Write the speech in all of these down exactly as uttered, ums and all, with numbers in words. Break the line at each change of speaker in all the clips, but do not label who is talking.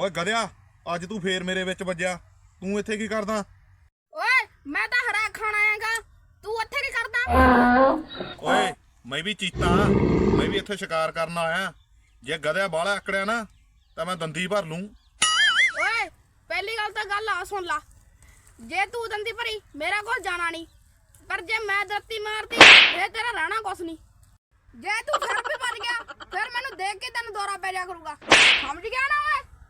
ਓਏ ਗਧਿਆ, ਅੱਜ ਤੂੰ ਫੇਰ ਮੇਰੇ ਵਿੱਚ ਵੱਜਿਆ। ਤੂੰ ਇੱਥੇ ਕੀ ਕਰਦਾ?
ਓਏ ਮੈਂ ਤਾਂ ਹਰਾ ਖਾਣ ਆਇਆਗਾ, ਤੂੰ ਇੱਥੇ ਕੀ ਕਰਦਾ?
ਓਏ ਮੈਂ ਵੀ ਚੀਤਾ, ਮੈਂ ਵੀ ਇੱਥੇ ਸ਼ਿਕਾਰ ਕਰਨ ਆਇਆ। ਜੇ ਗਧਿਆ ਬਾਹਲਾ ਆਕੜਿਆ ਨਾ ਤਾਂ ਮੈਂ ਦੰਦੀ ਭਰ ਲੂੰ।
ਓਏ ਪਹਿਲੀ ਗੱਲ ਤਾਂ ਗੱਲ ਆ ਸੁਣ ਲਾ, ਜੇ ਤੂੰ ਦੰਦੀ ਭਰੀ ਮੇਰਾ ਕੋਲ ਜਾਣਾ ਨਹੀਂ, ਪਰ ਜੇ ਮੈਂ ਦਰਤੀ ਮਾਰਤੀ ਫੇਰ ਤੇਰਾ ਰਹਿਣਾ ਕੁਛ ਨਹੀਂ। ਜੇ ਤੂੰ ਫਿਰ ਵੀ ਭੱਜ ਗਿਆ ਫਿਰ ਮੈਨੂੰ ਦੇਖ ਕੇ ਤੈਨੂੰ ਦੌਰਾ ਪੈ ਜਾ ਕਰੂਗਾ, ਸਮਝ ਗਿਆ ਨਾ?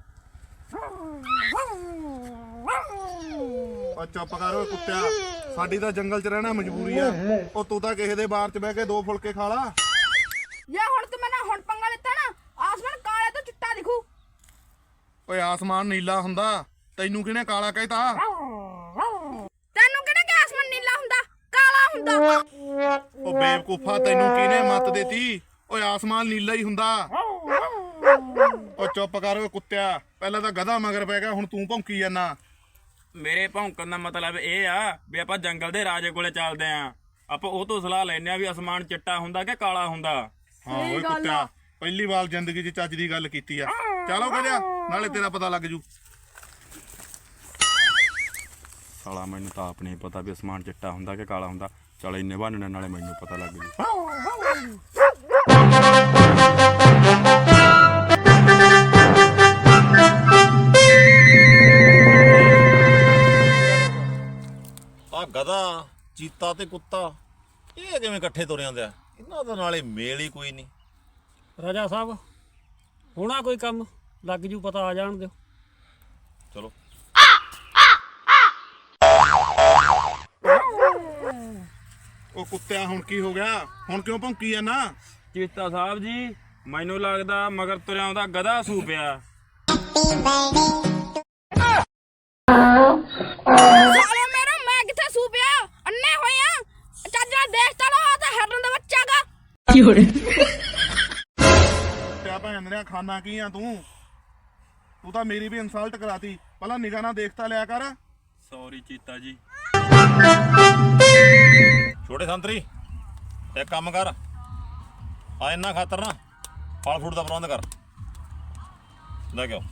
ਓ ਚੁੱਪ ਕਰ ਓਏ ਕੁੱਤਿਆ, ਸਾਡੀ ਤਾਂ ਜੰਗਲ 'ਚ ਰਹਿਣਾ ਮਜਬੂਰੀ ਆ। ਉਹ ਤੂੰ ਤਾਂ ਕਿਸੇ ਦੇ ਬਾਰ 'ਚ ਬਹਿ ਕੇ ਦੋ ਫੁਲਕੇ ਖਾ ਲਾ।
ਜੇ ਹੁਣ ਤੂੰ ਮੈਨਾਂ ਹੁਣ ਪੰਗਾ ਲਿੱਤਾ ਨਾ, ਆਸਮਾਨ ਕਾਲੇ ਤੋਂ ਚਿੱਟਾ ਦਿਖੂ।
ਓਏ ਆਸਮਾਨ ਨੀਲਾ ਹੁੰਦਾ, ਤੈਨੂੰ ਕਿਹਨੇ ਕਾਲਾ ਕਹਿਤਾ?
ਤੈਨੂੰ ਕਿਹਨੇ ਕਿ ਆਸਮਾਨ ਨੀਲਾ ਹੁੰਦਾ, ਕਾਲਾ ਹੁੰਦਾ?
ਓ ਬੇਵਕੂਫਾ, ਤੈਨੂੰ ਕਿਹਨੇ ਮੱਤ ਦੇਤੀ? ਓਏ ਆਸਮਾਨ ਨੀਲਾ ਹੀ ਹੁੰਦਾ। ਓ ਚੁੱਪ ਕਰ ਓਏ ਕੁੱਤਿਆ, ਪਹਿਲਾਂ ਤਾਂ ਗਧਾ ਮਗਰ ਪੈ ਗਿਆ, ਹੁਣ ਤੂੰ ਭੌਂਕੀ ਜਾਂਦਾ।
ਮੇਰੇ ਭੌਂਕਣ ਦਾ ਮਤਲਬ ਇਹ ਆ ਵੀ ਆਪਾਂ ਜੰਗਲ ਦੇ ਰਾਜੇ ਕੋਲੇ ਚੱਲਦੇ ਆਂ, ਆਪਾਂ ਉਹ ਤੋਂ ਸਲਾਹ ਲੈਣੇ ਆ ਵੀ ਅਸਮਾਨ ਚਿੱਟਾ ਹੁੰਦਾ ਕਿ ਕਾਲਾ ਹੁੰਦਾ।
ਹਾਂ ਓਏ ਕੁੱਤਿਆ, ਪਹਿਲੀ ਵਾਰ ਜ਼ਿੰਦਗੀ 'ਚ ਚੱਜ ਦੀ ਗੱਲ ਕੀਤੀ ਆ। ਚਲੋ ਗਧਿਆ, ਨਾਲੇ ਤੇਰਾ ਪਤਾ ਲੱਗ ਜੂ।
ਸਾਲਾ ਮੈਨੂੰ ਤਾਂ ਆਪ ਨਹੀਂ ਪਤਾ ਵੀ ਅਸਮਾਨ ਚਿੱਟਾ ਹੁੰਦਾ ਕਿ ਕਾਲਾ ਹੁੰਦਾ। ਚਲ ਇੰਨੇ ਬਹਾਨੇ ਨਾਲੇ ਮੈਨੂੰ ਪਤਾ ਲੱਗ ਜੂ।
ਆ ਗਧਾ, ਚੀਤਾ ਤੇ ਕੁੱਤਾ ਇਹ ਕਿਵੇਂ ਇਕੱਠੇ ਤੁਰੇ ਆਉਂਦੇ ਆ? ਇਹਨਾਂ ਦਾ ਨਾਲੇ ਮੇਲ ਹੀ ਕੋਈ ਨਹੀਂ।
ਰਾਜਾ ਸਾਹਿਬ ਹੋਣਾ ਕੋਈ ਕੰਮ, ਲੱਗ ਜੂ ਪਤਾ, ਆ ਜਾਣ ਦਿਓ।
ਚਲੋ
ਉਹ ਕੁੱਤਿਆ, ਹੁਣ ਕੀ ਹੋ ਗਿਆ? ਹੁਣ ਕਿਉਂ ਭੌਂਕੀ ਜਾਂਦਾ?
ਚੀਤਾ ਸਾਹਿਬ ਜੀ, ਮੈਨੂੰ ਲੱਗਦਾ ਮਗਰ ਤੁਰਿਆ ਆਉਂਦਾ ਗਧਾ ਸੂ ਪਿਆ।
ਸਾਲੇ ਮੇਰਾ ਮੈਂ ਕਿੱਥੇ ਸੂ ਪਿਆ? ਅੰਨੇ ਹੋਏ ਆ, ਚੱਜ ਨਾਲ ਦੇਖ ਤਾ ਲੋ, ਤਾਂ ਹਰਨ ਦਾ ਬੱਚਾ ਗਾ।
ਕੁੱਤਿਆ ਭੈਣ ਦੇ ਖਾਨਾ ਕੀ ਆ ਤੂੰ? ਤੂੰ ਤਾਂ ਮੇਰੀ ਵੀ ਇਨਸਲਟ ਕਰਾਤੀ। ਪਹਿਲਾਂ ਨਿਗਾਹ ਨਾਲ ਦੇਖਤਾ ਲਿਆ ਕਰ।
ਸੌਰੀ ਚੀਤਾ ਜੀ।
ਛੋਟੇ ਸੰਤਰੀ, ਇੱਕ ਕੰਮ ਕਰ, ਆ ਇਹਨਾਂ ਖਾਤਰ ਨਾ ਫਲ ਫਰੂਟ ਦਾ ਪ੍ਰਬੰਧ ਕਰ, ਲੈ ਕੇ ਆਓ।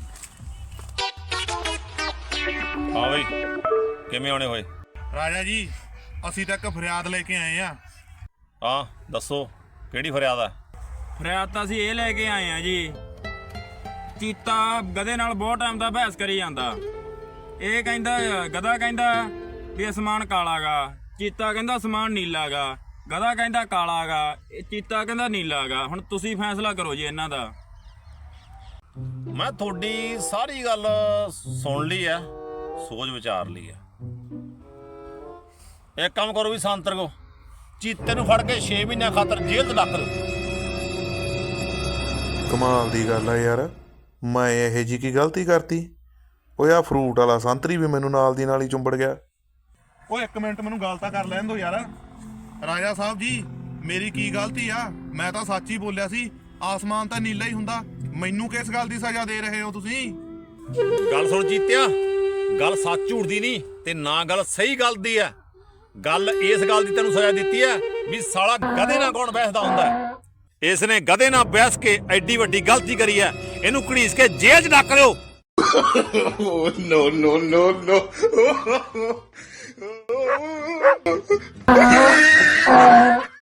ਹਾਂ ਬਈ, ਕਿਵੇਂ ਆਉਣੇ ਹੋਏ?
ਰਾਜਾ ਜੀ, ਅਸੀਂ ਤਾਂ ਇੱਕ ਫਰਿਆਦ ਲੈ ਕੇ ਆਏ ਆ।
ਹਾਂ ਦੱਸੋ, ਕਿਹੜੀ ਫਰਿਆਦ ਆ?
ਫਰਿਆਦ ਤਾਂ ਅਸੀਂ ਇਹ ਲੈ ਕੇ ਆਏ ਆ ਜੀ, ਚੀਤਾ ਗਧੇ ਨਾਲ ਬਹੁਤ ਟਾਈਮ ਦਾ ਬਹਿਸ ਕਰੀ ਜਾਂਦਾ। ਇਹ ਕਹਿੰਦਾ, ਗਧਾ ਕਹਿੰਦਾ ਵੀ ਅਸਮਾਨ ਕਾਲਾ ਗਾ, ਚੀਤਾ ਕਹਿੰਦਾ ਅਸਮਾਨ ਨੀਲਾ ਗਾ, ਗਧਾ ਕਹਿੰਦਾ ਕਾਲਾ ਗਾ, ਚੀਤਾ ਕਹਿੰਦਾ ਨੀਲਾ ਗਾ। ਹੁਣ ਤੁਸੀਂ ਫੈਸਲਾ ਕਰੋ ਜੀ ਇਹਨਾਂ ਦਾ।
ਮੈਂ ਤੁਹਾਡੀ ਸਾਰੀ ਗੱਲ ਸੁਣ ਲਈ ਆ, ਸੋਚ ਵਿਚਾਰ ਲਈ ਆ। ਇੱਕ ਕੰਮ ਕਰੋ ਵੀ ਸੰਤਰ ਕੋ ਚੀਤੇ ਨੂੰ ਫੜ ਕੇ ਛੇ ਮਹੀਨਿਆਂ ਖਾਤਰ ਜੇਲ੍ਹ 'ਚ ਡੱਕ ਦਿਓ।
ਕਮਾਲ ਦੀ ਗੱਲ ਆ ਯਾਰ, ਮੈਂ ਇਹੋ ਜਿਹੀ ਕੀ ਗਲਤੀ ਕਰਤੀ? ਓਏ ਆ ਫਰੂਟ ਵਾਲਾ ਸੰਤਰੀ ਵੀ ਮੈਨੂੰ ਨਾਲ ਦੀ ਨਾਲ ਹੀ ਚੁੰਬੜ ਗਿਆ।
ਓਏ ਇੱਕ ਮਿੰਟ, ਮੈਨੂੰ ਗੱਲ ਤਾਂ ਕਰ ਲੈਣ ਦਿਓ ਯਾਰ। ਰਾਜਾ ਸਾਹਿਬ ਜੀ, ਮੇਰੀ ਕੀ ਗਲਤੀ ਆ? ਮੈਂ ਤਾਂ ਸੱਚ ਹੀ ਬੋਲਿਆ ਸੀ, ਆਸਮਾਨ ਤਾਂ ਨੀਲਾ ਹੀ ਹੁੰਦਾ। ਮੈਨੂੰ ਕਿਸ ਗੱਲ ਦੀ ਸਜ਼ਾ ਦੇ ਰਹੇ ਹੋ ਤੁਸੀਂ?
ਗੱਲ ਸੁਣ ਚੀਤਿਆ, ਗੱਲ ਸੱਚ ਝੂਠ ਦੀ ਨਹੀਂ ਤੇ ਨਾ ਗੱਲ ਸਹੀ ਗੱਲ ਦੀ ਆ। ਗੱਲ ਇਸ ਗੱਲ ਦੀ ਤੈਨੂੰ ਸਜ਼ਾ ਦਿੱਤੀ ਹੈ ਵੀ ਸਾਲਾ ਗਧੇ ਨਾਲ ਕੌਣ ਬਹਿਸਦਾ ਹੁੰਦਾ ਹੈ। ਇਸ ਨੇ ਗਧੇ ਨਾਲ ਬਹਿਸ ਕੇ ਐਡੀ ਵੱਡੀ ਗਲਤੀ ਕਰੀ ਹੈ, ਇਹਨੂੰ ਘੜੀਸ ਕੇ ਜੇਲ੍ਹ 'ਚ ਡੱਕ ਲਿਓ।
ਨੋ ਨੋ ਨੋ ਨੋ